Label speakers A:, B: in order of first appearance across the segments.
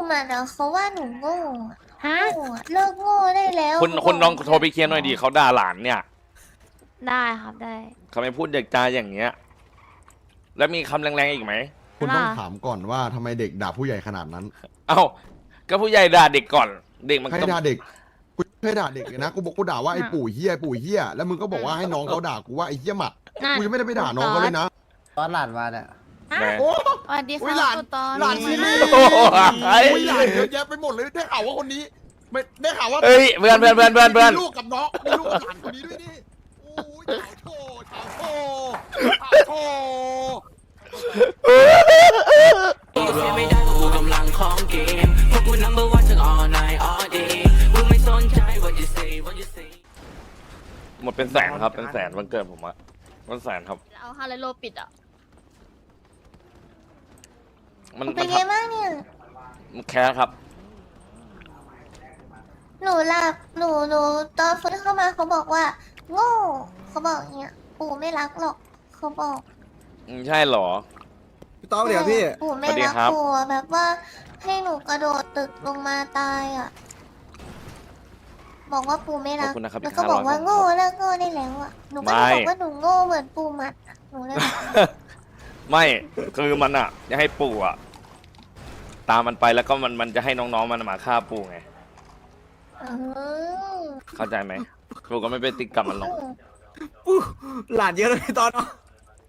A: มันอะเขาว่าหนูโง่อะ
B: ฮะ
A: โง่อะเลิกโง่ได้แล้ว
C: คุณลองโทรไปเคลียร์หน่อยดิเขาด่าหลานเนี่ย
B: ได้ครับได้
C: เขาไม่พูดเด็กจาอย่างเงี้ย แล้วมีคำแรงๆอีกไหม
D: คุณต้องถามก่อนว่าทำไมเด็กด่าผู้ใหญ่ขนาดนั้น
C: เอ้าก็ผู้ใหญ่ด่าเด็กก่อน เด็กมัน
D: ใคร
C: ต้อง
D: ด่าเด็กกูไม่ให้ด่าเด็กเลยนะกูบอกกูด่าว่าไอ้ปู่เฮียไอ้ปู่เฮียแล้วมึงก็บอกว่าให้น้องเขาด่ากูว่าไอ้เฮียหมัด
B: นั่น
D: กูยังไม่ได้ไปด่าน้องเขาเลยนะ
E: ตอนหลานมาเนี่ย
C: แหม
D: โอ้
B: สวัสดี
D: อุ๊
B: ค่ะ
D: ยหลาน
B: คุณตอน
D: หลานซีรีส์
C: โอ้โหไอ้
D: โอ้ยหลานเยอะแยะไปหมดเลยได้ข่าวว่าคนนี้ไม่ได้ข่าวว่า
C: เอ้ยเพื่อน
D: มีลูกกับน้องมีลูกกับหลานคนนี้ด้วยนี่โอ้ยสาวโชว์สาวโชว์
F: เสียไม่ได้เพราะกูกำลังของเกมเพราะกู number one ทั้ง all night all day กูไม่สนใจ what you say what you say
C: หมดเป็นแสนครับ เป็นแสนวันเกิดผมอะเป็นแสนครับ
B: เอาฮาเลโลปิดอ่ะ
C: มัน
A: เป็นไงบ้างเนี่ย
C: มันแค่ครับ
A: หนูหลับหนูตอนฟื้นเข้ามาเขาบอกว่า โง่เขาบอกอย่างเงี้ยปู่ไม่รักหรอกเขาบอก
C: ใช่เหรอ
E: พี่ต้อมเดี๋ยวพี่
A: ปู่ไม่
C: สวัสดี
A: รัก
C: ครับ
A: ปู่อะแบบว่าให้หนูกระโดดตึกลงมาตายอ่ะ บอกว่าปู่ไม่
C: ขอบ
A: รัก
C: คุณนะครับ
A: แล้ว
C: อี
A: ก็บอกว่า
C: 500
A: โง่เลิกโง่ได้แล้วอ่ะหนูก็เลยบอกว่าหนูโง่เหมือนปู่หมัดอะหนูเลยบอก
C: ไม่คือมันอะจะให้ปู่อะตามมันไปแล้วก็มันจะให้น้องๆมันมาฆ่าปู่ไง
A: เออ
C: เข้าใจไหมปู่ก็ไม่ไปติดกับมันหรอก
E: หลานเยอะเลยพี่ตอนเนาะ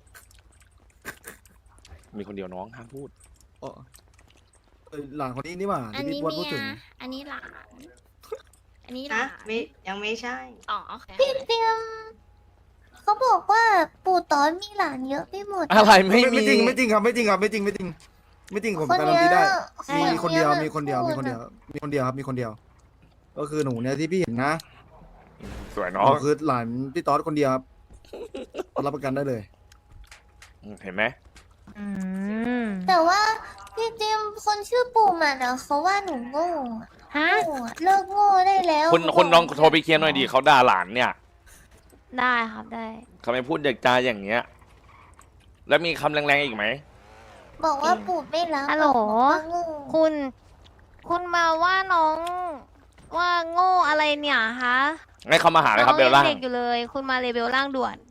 C: มีคนเดียวน้องห้ามพูด
E: อ๋อหลานคนนี้นี่หว่า
B: อัน
E: ที่
B: นี้
E: พี่บอลพู
B: เมี
E: ด
B: ย
E: ถึง
B: อันนี้หลาน อันนี้ห
G: ฮะ
B: ลาน
G: ไม่ยังไม่ใช่
B: อ๋อโอเค
A: พี่เตรียมเขาบอกว่าปู่ตอนมีหลานเยอะไปหมด
C: อะไรไม่มี
E: ไม่จริงไม่จริงครับไม่จริงครับไม่จริงไม่จริงไม่จริงผม
A: คน
E: การัน
A: เนี้
E: ตี
A: ย
E: ได้
A: คน
E: มีคนเดียว
A: อะ
E: มีคนเดียว
A: พู
E: มีคนเดียวมีคนเดียวครับมีคนเดียว ก็คือหนูเนี่ยที่พี่เห็นนะ
C: สวย
E: ห
C: น้อง
E: นูคือหลานพี่ต๊อดคนเดียวครับรับประกันได้เลย
C: เห็นไหม
B: อืม
A: แต่ว่าพี่เตรียมคนชื่อปู่หมันอะเขาว่าหนูโง่อะ
B: ฮะ
A: โง่อะเลิกโง่ได้แล้ว
C: คุณลองโทรไปเคลียร์หน่อยดิเขาด่าหลานเนี่ย
B: ได้ครับได้
C: เขาไม่พูดเด็กจาอย่างเงี้ย แล้วมีคำแรงๆอีกไหม
A: บอกว่าปู่ไม่รัก
B: ฮัลโหล
A: บอกว่าโง่
B: คุณมาว่าน้องว่าโง่อะไรเนี่ยฮะ
C: ให้เขามาหาเลยครับเบล
B: น้
C: ล่า
B: องยังเด็กอยู่เลย คุณมาเลเบลล่างด่วน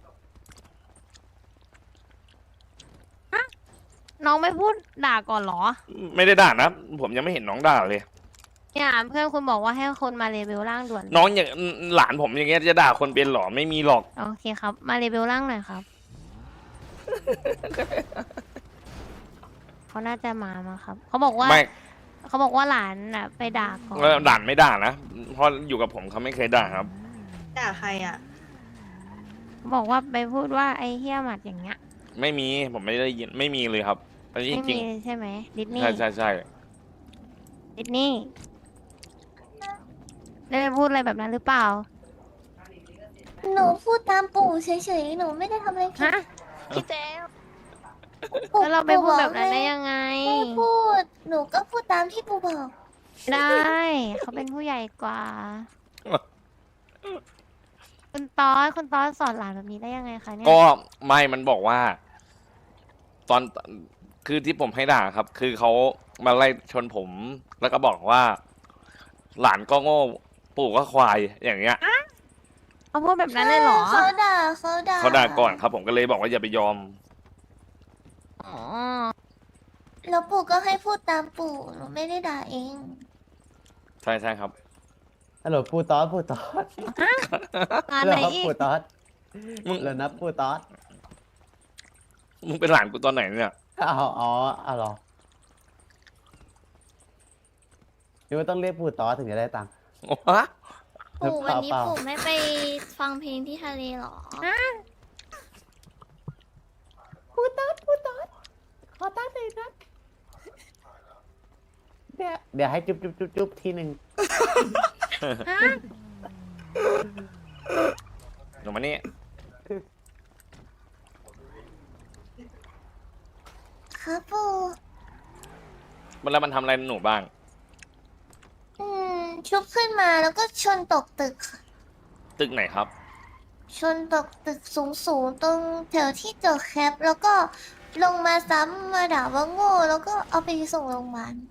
B: ฮะน้องไม่พูดด่าก่อนเหรอ
C: ไม่ได้ด่านะ ผมยังไม่เห็นน้องด่าเลย
B: เนี่ยเพื่อนคุณบอกว่าให้คนมาเลเบลล่างด่วน
C: น้องอย่างหลานผมอย่างเงี้ยจะด่าคนเป็นหรอไม่มีหรอก
B: โอเคครับ มาเลเบลล่างหน่อยครับ เขาน่าจะมามั้งครับ เขาบอกว่า
C: ไม่
B: เขาบอกว่าหลานน่ะไปด่าก่อน
C: ด่านไม่ด่านะเพราะอยู่กับผมเขาไม่เคยด่าครับ
G: ด่าใครอ่ะ
B: เขาบอกว่าไปพูดว่าไอ้เฮี้ยหมัดอย่างเงี้ย
C: ไม่มีผมไม่ได้ยินไม่มีเลยครับอันนี้
B: ไม่
C: จริ
B: มี
C: ง
B: ใช่ไหมดิส
C: ๆ
B: นี
C: ใช่
B: ย์
C: ใช่ใช่
B: ดิสนีย์ได้ไปพูดอะไรแบบนั้นหรือเปล่า
A: หนูพูดตามปู่เฉยๆหนูไม่ได้ทำอะไรผิด
B: ฮะพี่เจ๊
A: ปู่
B: แล้วเราไปพูดแบบนั้นได้
A: ปู่
B: ยังไง
A: ไม่พูดหนูก็พูดตามที่ปู่บอก
B: ได้เขาเป็นผู้ใหญ่กว่า คุณตอสสอนหลานแบบนี้ได้ยังไงคะเนี่ย
C: ก็ไม่มันบอกว่า ตอนคือที่ผมให้ด่าครับ คือเขามาไล่ชนผม แล้วก็บอกว่า หลานก็โง่ปู่ก็ควายอย่างเงี้ย
B: เขาพูดแบบนั้นเลยเหรอ
A: เขาด่า
C: เขาด่าก่อนครับ ผมก็เลยบอกว่าอย่าไปยอม
B: อ๋อ
A: แล้วปู่ก็ให้พูดตามปู่หนูไม่ได้ด่าเอง
C: ใช่ใช่ครับ
E: ฮัลโหลปูต๊อดปูต๊อด
B: งาน
E: ฮัลโห
B: ไห
E: ล
B: นอีก
E: ปูต๊อด
C: มึง
E: แล้วนะปูต๊อด
C: มึงเป็นหลานกูตอนไหนเนี่ย
E: อ๋อเหรอนี่ว่าต้องเรียกปูต๊อดถึงจะได้ตังค์
C: วะ
H: ปู่วันนี้
E: เปล่า
H: ปู่ไม่ไปฟังเพลงที่ทะเลเหรอ
E: ปูต๊อดขอตังค์หน่อยนะเดี๋ยวให้จุ๊บทีหนึ่ง
C: หนูมานี่
A: ครับปู่
C: แล้วมันทำอะไรหนูบ้าง
A: ชุบขึ้นมาแล้วก็ชนตกตึกค่ะ
C: ตึกไหนครับ
A: ชนตกตึกสูงตรงแถวที่เจอแคปแล้วก็ลงมาซ้ำมาด่าว่าโง่แล้วก็เอาไปส่งโรงพยาบาล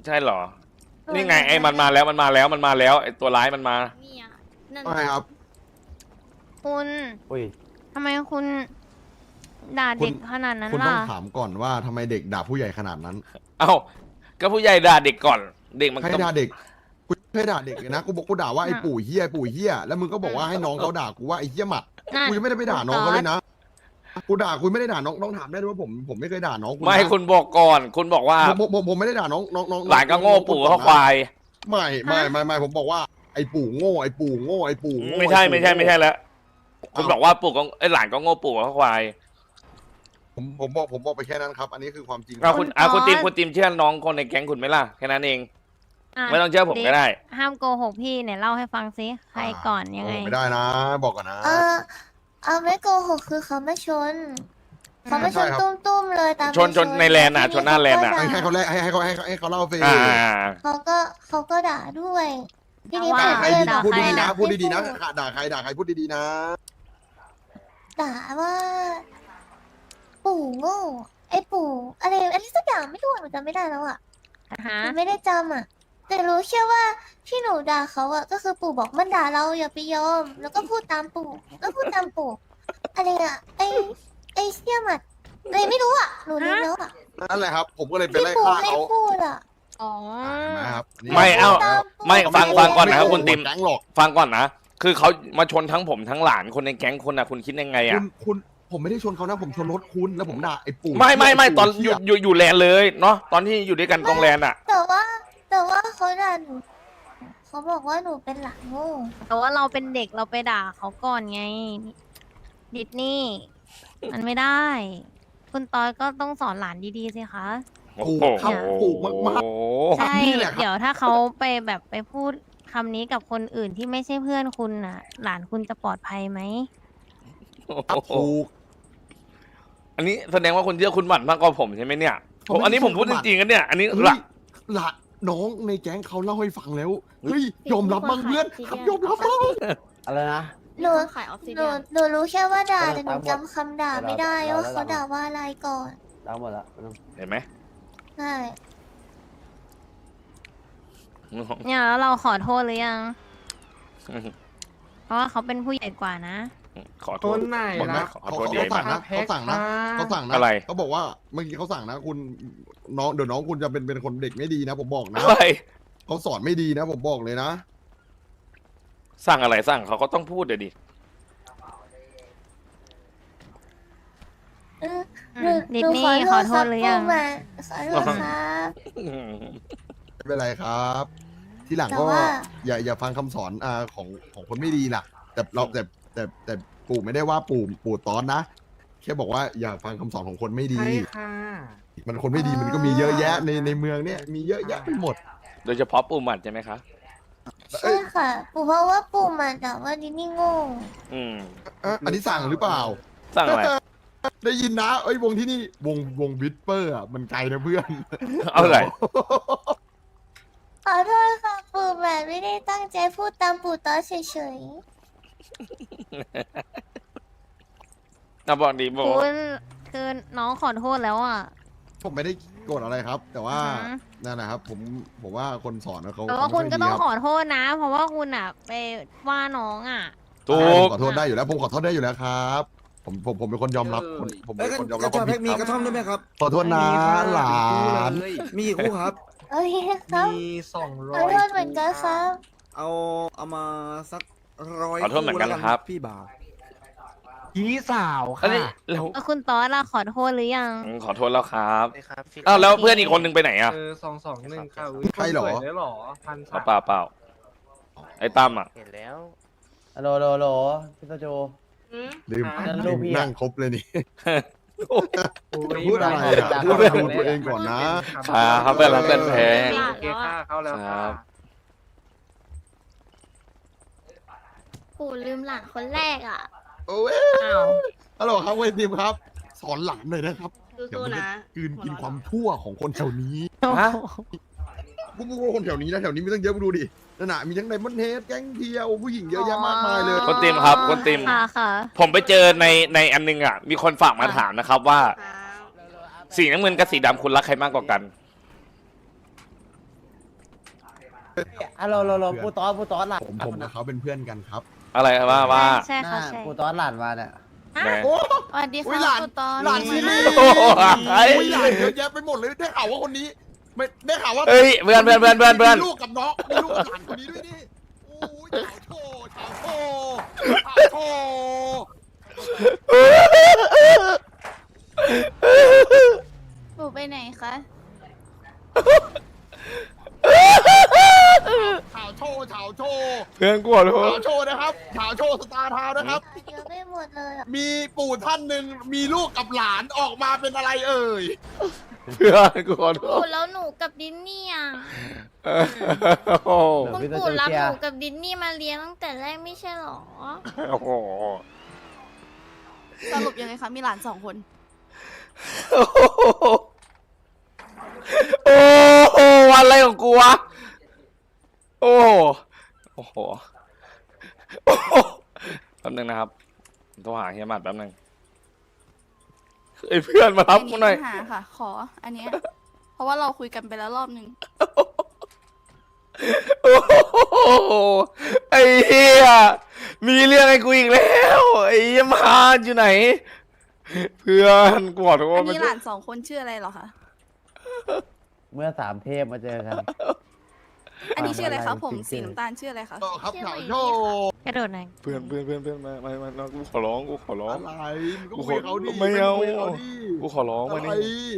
C: ใช่เหรอ นี่ไงไอ้มันมาแล้วมันมาแล้วมันมาแล้วไอ้ตัวร้ายมันมา
H: เนี่ยนั่น
D: ไม่ครับ
B: คุณ
E: อุ้ย
B: ทำไมคุณด่าเด็กขนาดนั้น
D: คุณต้
B: ล่ะ
D: องถามก่อนว่าทำไมเด็กด่าผู้ใหญ่ขนาดนั้น
C: เอ้าก็ผู้ใหญ่ด่าเด็กก่อน เด็กมัน
D: ใคร
C: ก็
D: ด่าเด็กกูไม่ด่าเด็กเลยนะกูบอกกูด่าว่าไอ้ปู่เฮียปู่เฮียแล้วมึงก็บอกว่าให้น้องเขาด่ากูว่าไอ้เฮียหมัด
B: นั่น
D: กูยังไม่ได้ไปด่าน้องเขาเลยนะกูด่าคุณไม่ได้ด่าน้องถามได้ด้วยว่าผมไม่เคยด่าน้องคุณนะ
C: ไม่คุณบอกก่อน คุณบอกว่า
D: ผมไม่ได้ด่าน้อง
C: หลานก็โง่ปู่ก็ควาย
D: ไม่ผมบอกว่าไอ้ปู่โง่ไอ้ปู่โง่ไอ้ปู่โง่
C: ไม่ใช่แล้วคุณบอกว่าปู่ก็ไอ้หลานก็โง่ปู่ก็ควาย
D: ผมบอกไปแค่นั้นครับ อันนี้คือความจริง
C: เอาคุณติมเชื่อน้องคนในแก๊งคุณไหมล่ะแค่นั้นเอง
B: ะ
C: ไม่ต้องเชื่อผมก็ได้
B: ห้ามโกหกพี่เนี่ยเล่าให้ฟังซิใครก่อนยังไง
D: ไม่ได้นะ บอกก่อนนะ
A: เอาไม่โกหกคือเขามาชน เขามาช
D: ใช่
A: น
D: ครับ
A: ตุ้มๆเลยตาม
C: ชนในแลนด์อะชนหน้าแลนด์อะ
D: ให้เขาแรกให้เขาเล่าเฟย
A: เขาก็ด่าด้วยทีนี้
B: ว่า
A: ผม
D: ใคร
A: ก็เลย
D: ดีพูดดีๆนะ
A: ไม่
D: พูดดีๆนะด่าใครพูดดีๆนะ
A: ด่าว่า ปู่โง่ไอ้ปู่อะไรสักอย่างไม่รู้อะหนูจำไม่ได้แล้วอ่ะ
B: ฮะ
A: หนูไม่ได้จำอ่ะ แต่รู้แค่ว่าที่หนูด่าเขาอ่ะก็คือปู่บอกมันด่าเราอย่าไปยอม แล้วก็พูดตามปู่ก็พูดตามปู่อะไรอ่ะไอ้เสี่ยหมัดอะไรไม่รู้อ่ะหนูลืมแล้วอ่ะ
D: นั่นแหละครับ ผมก็เลยไป
A: ที่
D: ไล่
A: ปู่
D: ฆ่า
A: ไม่
D: เขา
A: พูดอ่ะ
B: อ๋อ
D: นะครับ
C: ไม่เอ้า ไม่ฟังก่อนนะครับ
D: ไม่
C: คุณติม
D: แก๊งหรอก
C: ฟังก่อนนะ คือเขามาชนทั้งผมทั้งหลานคนในแก๊งคุณนะคุณคิดยังไงอะ
D: คุณผมไม่ได้ชนเขานะผมชนรถคุณแล้วผมด่าไอ้ปู่
C: ไม่ตอน
D: เหี้ย
C: อยู่แลนด์เลยเนาะตอนที่อยู่ด้วยกันตรงแลนด์อะ
A: แต่ว่าเขาด่าหนูเขาบอกว่าหนูเป็นหลานโง่
B: แต่ว่าเราเป็นเด็กเราไปด่าเขาก่อนไง ดิสนี่ มันไม่ได้ คุณตอยก็ต้องสอนหลานดีๆสิคะ
C: โอ้โห
D: ครับปู่มาก
B: ใช่
D: นี่แหละครับ
B: เดี๋ยวถ้าเขาไปแบบไปพูดคำนี้กับคนอื่นที่ไม่ใช่เพื่อนคุณน่ะ หลานคุณจะปลอดภัยไหม
D: ครับถูก
C: อันนี้แสดงว่าคุณเชื่อคุณหมั่นมากกว่าผมใช่ไหมเนี่ย
D: ผมไม่
C: อันนี้ผมพูด
D: เชื่
C: จ
D: อคุณหมั่น
C: ริงๆกันเนี่ย อันนี้
D: เฮ้
C: หลั
D: ย
C: ก
D: ละน้องในแก๊งเขาเล่าให้ฟังแล้วเฮ้ยยอมรับบ้างเพื่อนครับยอมรับบ้าง
E: อะไรนะ
A: หนู
H: ขายออฟซิ
A: ห
H: เดี
A: นู
H: ยน
A: หนูรู้แค่ว่าด่าแต่หนู
E: ตามหมด
A: จำคำด่าไม่ได้ว่าเขาด่าว่าอะไรก่อน
E: ล้างหมดละ
C: เห็นไหม
A: ใช่
B: เนี่ยแล้วเราขอโทษหรือยัง เพราะว่าเขาเป็นผู้ใหญ่กว่านะ
C: ขอโท
I: ค
C: ษ
I: นไหน
C: บอกไหม
I: ล่ะ
C: ขอโทษดีไหม
D: เขาสั่งนะเขาสั่งนะ
C: อะไร
D: เขาบอกว่าเมื่อกี้เขาสั่งนะคุณน้องเดี๋ยวน้องคุณจะเป็นคนเด็กไม่ดีนะ ผมบอกนะ
C: อะไร
D: เขาสอนไม่ดีนะ ผมบอกเลยนะ
C: สั่งอะไรสั่งเขาก็ต้องพูดเดี๋ยวดิ
B: ดิสนีย์ขอโทษหรือยัง
A: ปู่มาขอโทษครับ
D: ไม่เป็นไรครับ ทีหลัง
A: แต่
D: ก็
A: ว่า
D: อย่าฟังคำสอนของคนไม่ดีล่ะ แต่ปู่ไม่ได้ว่าปู่ตอนนะแค่บอกว่าอย่าฟังคำสอนของคนไม่ดี
I: ใช่ค่ะ
D: มันคนไม่ดีมันก็มีเยอะแยะในเมืองเนี่ยมีเยอะแยะไปหมด
C: โดยเฉพาะปูหมัดใช่ไหมคะ
A: ใช่ค่ะปู่เพราะว่าปู่มาด่าว่าดินี่โง่
C: อืม
D: อันนี้สั่งหรือเปล่า
C: สั่งอะไร
D: ได้ยินนะเอ้ยวงที่นี่วงวิสเปอร์อ่ะมันไกลนะเพื่อน
C: เอาอะไร
A: ขอโทษค่ะปู่มาไม่ได้ตั้งใจพูดตามปู่ตอเฉย
C: บอกดีบอก
B: คุณคือน้องขอโทษแล้วอ่ะ
D: ผมไม่ได้โกรธอะไรครับ แต่ว่า
B: อือฮะ
D: นั่นนะครับผมว่าคนสอนเขา
B: แต่ว่า
D: เขา
B: คุณ
D: ไม่
B: ก็
D: ดี
B: ต้อง
D: ครับ
B: ขอโทษนะ เพราะว่าคุณอ่ะไปว่าน้องอ่ะ
C: ถู
D: ผม
C: ก
D: ขอโทษได้อยู่แล้วผมขอโทษได้อยู่แล้วครับ ผมเป็นคนยอมรับผมเป็นคนยอมรับความผิด
I: มี
D: ค
I: ก
D: รั
I: ระ
D: บ
I: ท่อมด้วยไหมครับ
D: ขอโทษนะหลาน
I: มีกี่คู่ครับ
A: ๆโอเคครับ
I: มี
A: ขอโทษเหมือนกันครับ
I: เอามาสัก100
C: ขอโทษเหมือนกันครับ
I: พี่บ่าว
E: พี่สาว
C: อันนี้
E: ค่ะ
C: แล้ว
B: แล้วคุณตอสล่ะขอโทษหรือยัง
C: ขอโทษแล้วครับ
I: ครับ
C: อ้าวแล้วเพื่อนอีกคนนึงไปไหนอ่ะ
I: 221ค่ะ
D: ใครเหรอ
I: ได้หรอพัน
C: เปล่าไอ้ตั้มอ่ะ
I: เห็นแล้ว
E: ฮัลโหลโหลพี่ตาโจ
G: อืม
D: ลืม
E: นั่นลูกพี่อะ
D: นั่งครบเลยนี่
I: จะ
D: พูดอะไรอ่ะพูดเรื่องของตัวเองก่อนนะ
C: ครับเพื่อนรักเพื่อนแพง
I: โอเคค่ะเข้าแล้ว
C: ครั
I: ค่ะ
C: บ
H: ปู่ลืมหลานคนแรกอ่ะ
D: โอ้ย
B: อ้าว
D: ฮัลโหลครับเวยทีมครับ สอนหลานหน่อยนะครับ เดี๋ยว
G: สู้
D: มัน
G: ๆ
D: จะ
G: นะ
D: กลืนกินความชั่วของคนแถวนี้
C: ฮะ
D: พวกคนแถวนี้นะแถวนี้มีตั้งเยอะมาดูดินั่นน่ะมีทั้งไดมอนด์เฮดแก๊งเทียวผู้หญิงเยอะแยะมากมายเลย
C: คนติมครับคนติม
B: ค่ะค่ะ
C: ผมไปเจอในอันนึงอ่ะ มีคนฝากมาถามนะครับว่า
G: ครับ
C: สีน้ำเงินกับสีดำคุณรักใครมากกว่ากัน
E: ฮัลโหลปูตอสหลาน
D: ผมกับเขาเป็นเพื่อนกันครับ
C: อะไรว่า
B: ใช่ค่ะใช่
E: ปูตอสหลานมาเนี่ย
C: แหม
B: สวัสดี
D: อุ๊ย
B: ค่ะ
D: หลาน
B: คุณตอน
D: หลานซีรี
C: โอ้โหไอ้
D: อุ้ยหลานเยอะแยะไปหมดเลยได้ข่าวว่าคนนี้ไม่ได้ข่าวว่า
C: เอ้ยเพื่อน
D: มีลูกกับน้องมีลูกกับหลานคนนี้ด้วยนี่โอ้ยเฉาโชเฉาโชเฉาโช
H: ปู่ไปไหนคะ
D: เฉาโชเฉาโช
C: เพื่อนกูขอโท
D: เฉา
C: ษ
D: โชนะครับเฉาโชสตาร์ทาวน์นะครับ
A: เยอะไปหมดเลยอะ
D: มีปู่ท่านหนึ่งมีลูกกับหลานออกมาเป็นอะไรเอ่ย
C: เพื่อนกูขอโท
H: ปู่
C: ษ
H: แล้วหนูกับดินนี่อ่ะ
C: โอ้โห
H: คุณปู่รับหนูกับดินนี่มาเลี้ยงตั้งแต่แรกไม่ใช่หรอ
C: โอ้โห
H: สรุปยังไงคะมีหลาน2 คน
C: โอ้โหอะไรของกูวะโอ้โหโอ้โหแป๊บนึงนะครับโทรหาเฮียหมัดแป๊บนึงไอ้เพื่อนมารับกูหน่อย
H: ปัญหาค่ะ ขออันเนี้ยเพราะว่าเราคุยกันไปแล้วรอบนึง
C: โอ้โหไอ้เหี้ยมีเรื่องให้กูอีกแล้วไอ้เหี้ยมาอยู่ไหน เพื่อนกูขอโทษ
H: อันนี้หลาน2 คนชื่ออะไรเหรอคะ
E: เมื่อ3 เทพมาเจอกัน
H: อันนี้ชื่ออะไรคะผม
E: จริงๆ
H: สีน้ำตาลชื่ออะไรคะ
D: ครับเฉาโช
B: กระโดดหน่อย
C: เพื่อนมากูขอร้องกูขอร้อง
D: อะไรมึงก็คุยกับเขาดิ
C: ไม่เอา
D: คุยกับเขาดิ
C: กูขอร้องมา
D: อะไร
C: นี่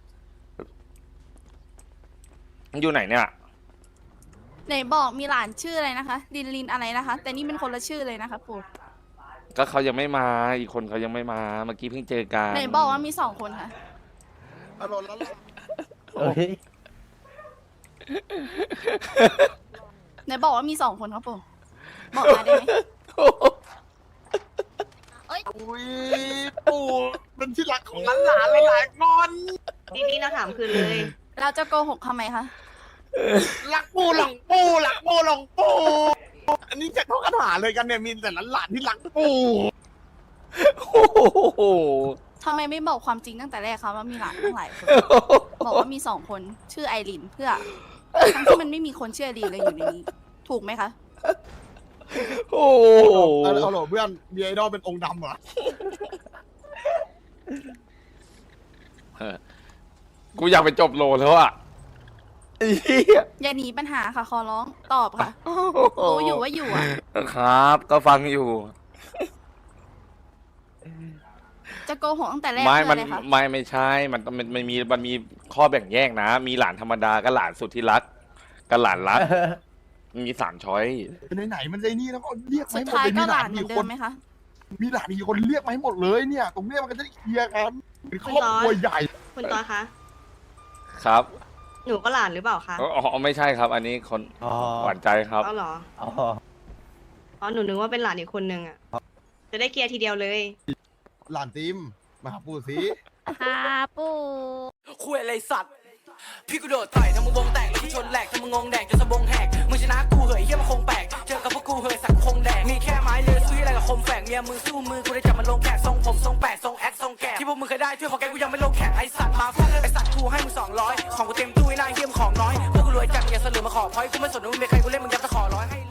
C: มันอยู่ไหนเนี่ย
H: ไหนบอกมีหลานชื่ออะไรนะคะลินอะไรนะคะ แต่นี่เป็นคนละชื่อเลยนะคะปู่
C: ก็เขายังไม่มาอีกคนเขายังไม่มาเมื่อกี้เพิ่งเจอกัน
H: ไหนบอกว่ามี2 คนค่ะ
D: อารมณ์แล้วล่ะ
E: เอ้ย
H: ไหนบอกว่ามี2 คนครับปู่บอกมาได้ไหม
D: อุ้ยปู่เป็นที่รักของหลานหลายๆคน
G: ทีนี้เราถามคืนเลย
H: เราจะโกหกทำไมคะ
D: รักปู่หลงปู่รักปู่หลงปู่อันนี้จะเข้าคาถาเลยกันเนี่ยมีแต่หลานๆที่รักปู่
C: โอ้โห
H: ทำไมไม่บอกความจริงตั้งแต่แรกคะว่ามีหลานตั้งหลายคน บอกว่ามี2 คนชื่อไอรินเพื่อทั้งที่มันไม่มีคนชื่อไอรินเลยอยู่ในนี้ ถูกไหมคะ
C: โอ้โห
D: เอาเหรอเพื่อนมีไอดอลเป็นองค์ดำเหรอ
C: กูอยากไปจบโลแล้วอ่ะไอ้เหี้ย
H: อย่าหนีปัญหาค่ะ ขอร้องตอบค่ะรู้อยู่ว่าอยู่อ่ะ
C: ครับ ก็ฟังอยู่
H: จะโกหกตั้งแต่แรก
C: ไม่
H: เพื่อ
C: มัน
H: อะไรคะ
C: ไม่ใช่ มันมีข้อแบ่งแยกนะ มีหลานธรรมดากับหลานสุดที่รักกับหลานรัก มี3 ช้อย
D: เป็นไหนๆมันใจนี่แล้วก็เรียก
H: สุ
D: ไม่
H: ด
D: หมด
H: ท้าย
D: เลย
H: ก็
D: มี
H: ห
D: ห
H: ลา
D: ลาน น
H: เหมื
D: มี
H: อนเดิ
D: ค
H: ม
D: น
H: ไหมคะ
D: มีหลานมีคนเรียกมาให้หมดเลยเนี่ย ตรงเนี้ยมันก็จะได้เคลียร์กันเป็นครอบครัวใหญ่
G: คุณตอคะ
C: ครับ
G: หนูก็หลานหรือเปล่าคะ
C: อ๋อไม่ใช่ครับ อันนี้คน
E: อ๋อ
C: หวานใจครับ
G: เอาเหรอ
E: อ๋อ
G: อ๋อหนูนึกว่าเป็นหลานอีกคนนึงอ่ะ จะได้เคลียร์ทีเดียวเลย
D: หลานติมมาหาปู่สิ
B: ค่ะปู่
F: คุยอะไรสัตว์ พี่กูโดดต่อยทำมึงวงแตกแล้วกูชนแหลกทำมึงงงแดกจนสะบงแหกมึงชนะกูเหยเฮียมันคงแปลกเจอกับพวกกูเหยสักคงแดกมีแค่ไม้เลือซื้ออะไรกับคมแฝกเมียมึงสู้มือกูได้จับมันลงแขกทรงผมทรงแปดทรงแอคทรงแกะที่พวกมึงเคยได้ช่วยของแกกูยังไม่ลงแขกไอสัตว์มาฟาดไอสัตว์กูให้มึง200ของกูเต็มตู้ไอ้นายเฮียมของน้อยพวกกูรวยจัดอย่าเสลือมาขอพอยกูไม่สนว่ามึงเป็นใครกูเล่นมึงยับตะขอร้อยให้